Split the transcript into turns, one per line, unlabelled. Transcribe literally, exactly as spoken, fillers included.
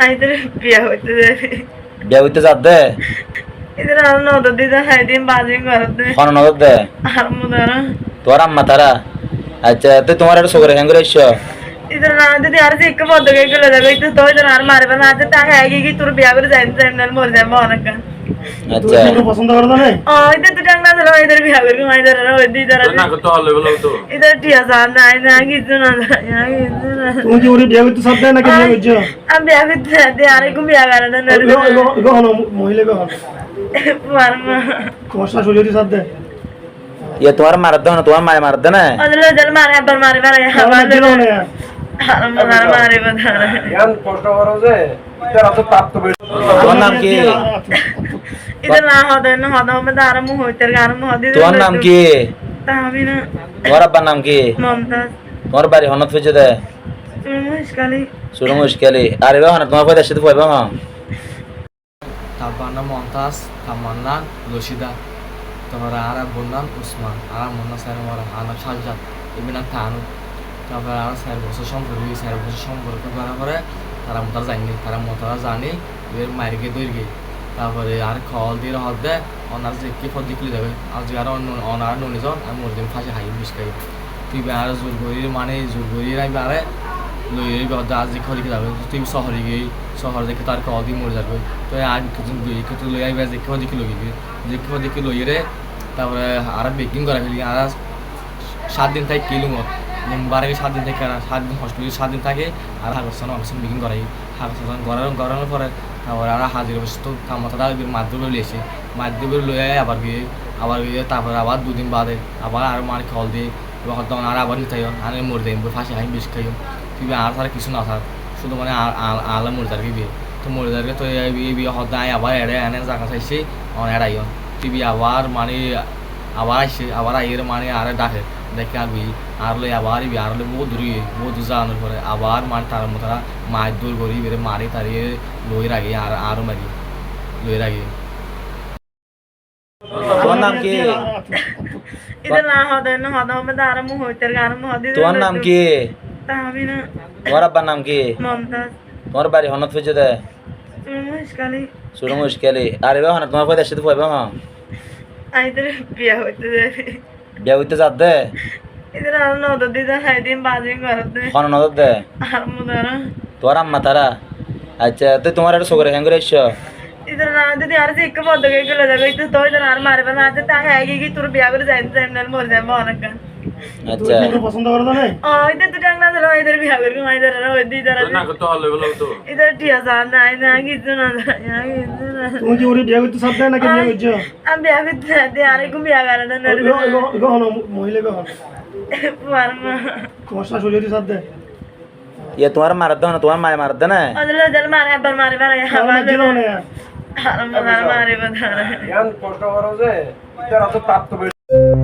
আইদের বিয়া হইতে যাবে
বিয়া হইতে যাত দে
এদের আর নদর দিতে হাইদিন বাজিং করতে
কোন নজর দে
আর মুদারা
তোর আম্মা তারা আচ্ছা তুই তোমার একটা সগরে হ্যাঙ্গুরে এসছো
इधर ना दीदी यार से एक बहुत गए के लगा गई तो तो इधर यार मारे बना आते ता है कि तू बिया कर जाइन जाइन नल मोर जाए मोहन का
আচ্ছা
তুমি পছন্দ করো না
ओ इधर तो डंगना चलो इधर बिया कर के इधर ना इधर
না তো হলে বলো তো
इधर टिया सान ना ना कि सुना यार इधर
তুমি কি ওরে বিয়ে করতে চাপ দেয় নাকি বিয়ে করছো
अब बिया कर दे यार को बिया कर ना नल
গহন মহিলা গহন
वर्मा
তোমার শাশুড়ি যদি চাপ দেয়
ইয়ে তোমার মার দে না তোমার মায় মার দে না
अदर जल मारे पर मारे मारे
আমার দিল
हमारे
না
मारे मारे बता
ইয়ান কষ্ট করো যে এর অত প্রাপ্ত
তোমার নাম কি
इधर ना होता ना होता मैं दारा मुंह होते गार मुंह दी
তোমার নাম কি
तामी ना
তোমার আব্বার নাম কি
মমতাজ
তোমার বাড়ি হনত ফেজে দে
তুমি মুশকালি
শুরু মুশকিলি আরে বাবা না তোমার পয়দা সাথে পয়বা মা
তারপর নাম মমতাজ তামান্না রশিদা তারপর আর বন্যান উসমান আর মন্না স্যার আমার আনাম সাজ্জাদ এমনি থানু তারপর আর স্যার বছর সম্পর্ক স্যার বছর সম্পর্ক করার পরে তারা মোতারা জানি তারা মোতারা জানি এর মারিকে দৈর্ঘ্যে তারপরে আর খল দিয়ে হদ দেয় অনার যে কি ফল দিকলে যাবে আজ আর অনার নুনে যান আমি মরে দিন ফাঁসে হাই বিষ খাই তুই আর জোর করির মানে জোর করির আমি আরে লইয়ের গদা আজ খলি যাবে তুই শহরে গিয়ে শহর দেখে তার কল দিয়ে মরে যাবে তো আজ কিছু দুই কিছু লই আইবে যে কেউ দেখি লইবি যে কেউ দেখি লইয়ে তারপরে আর বেকিং করা ফেলি আর সাত দিন থাকে কিলো মত বারে সাত দিন থেকে সাত দিন হসপিটালে সাত দিন থাকে আর হাগসান অক্সিজেন বেকিং করাই হাগসান গড়ানো গড়ানোর পরে তারপরে আর হাজির বসে কামতা মাধ্যমে লিয়েছে মাধ্যমে লয়ে আবার গিয়ে আবার গিয়ে তারপরে আবার দুদিন বাদে আবার আর মার খল দিয়ে এবার তখন আর আবার নিতে আর মরে দেয় ফাঁসি হাই বেশি খাইও তুই আর তার কিছু না থাক শুধু মানে আলা মরে যার বিয়ে তো মরে যার তো এই বিয়ে হদায় আবার এড়ে এনে জায়গা চাইছে এড়াইও তুই আবার মানে আবার আসছে আবার আইয়ের মানে আর ডাকে দেখে আবি আর লই আবার ইবি আর লই বহুত দূরে বহুত দূর যাওয়ানোর পরে আবার মানে তার মতো মাছ দূর করি বেড়ে মারি তারিয়ে লই রাখি আর আরও মারি লই রাখি
তোমার নাম কি
इधर ना होता ना होता मैं दारा मुंह होते गार मुंह दी
তোমার নাম কি
तामी ना
তোমার আব্বার নাম কি
মমতাজ
তোমার বাড়ি হনত ফেজে দে
তুমি মুশকালি
শুরু মুশকিলি আরে বাবা না তোমার পয়দা সাথে পয়বা মা
আইদের বিয়া হইতে যাবে
বিয়া হইতে যাত দে
इधर আর নদর দিতে হাইদিন বাজিং করতে
কোন নজর দে
আর মুদারা
তোর আম্মা তারা আচ্ছা তুই তোমার একটা সগরে হ্যাঙ্গুরে এসছো
इधर ना दीदी यार से एक बहुत गए के लगा गई तो तो इधर यार मारे बना आते ता है कि तू बिया कर जाइन जाइन नल मोर जाए मोहन का
আচ্ছা
তুমি পছন্দ করো না
ओ इधर तो डंगना चलो इधर बिया कर के इधर ना इधर
না তো হলে বলো তো
इधर टिया सान ना ना कि सुना यार इधर
তুমি কি ওরে বিয়ে করতে চাপ দেয় নাকি বিয়ে করছো
अब बिया कर दे यार को बिया कर ना नल
গহন মহিলা গহন
वर्मा
তোমার শাশুড়ি যদি চাপ দেয়
ইয়ে তোমার মার দে না তোমার মায় মার দে না
अदर जल मारे पर मारे मारे
আমার দিল
हमारे
না
मारे बता
ইয়ান কষ্ট করো যে এর অত প্রাপ্ত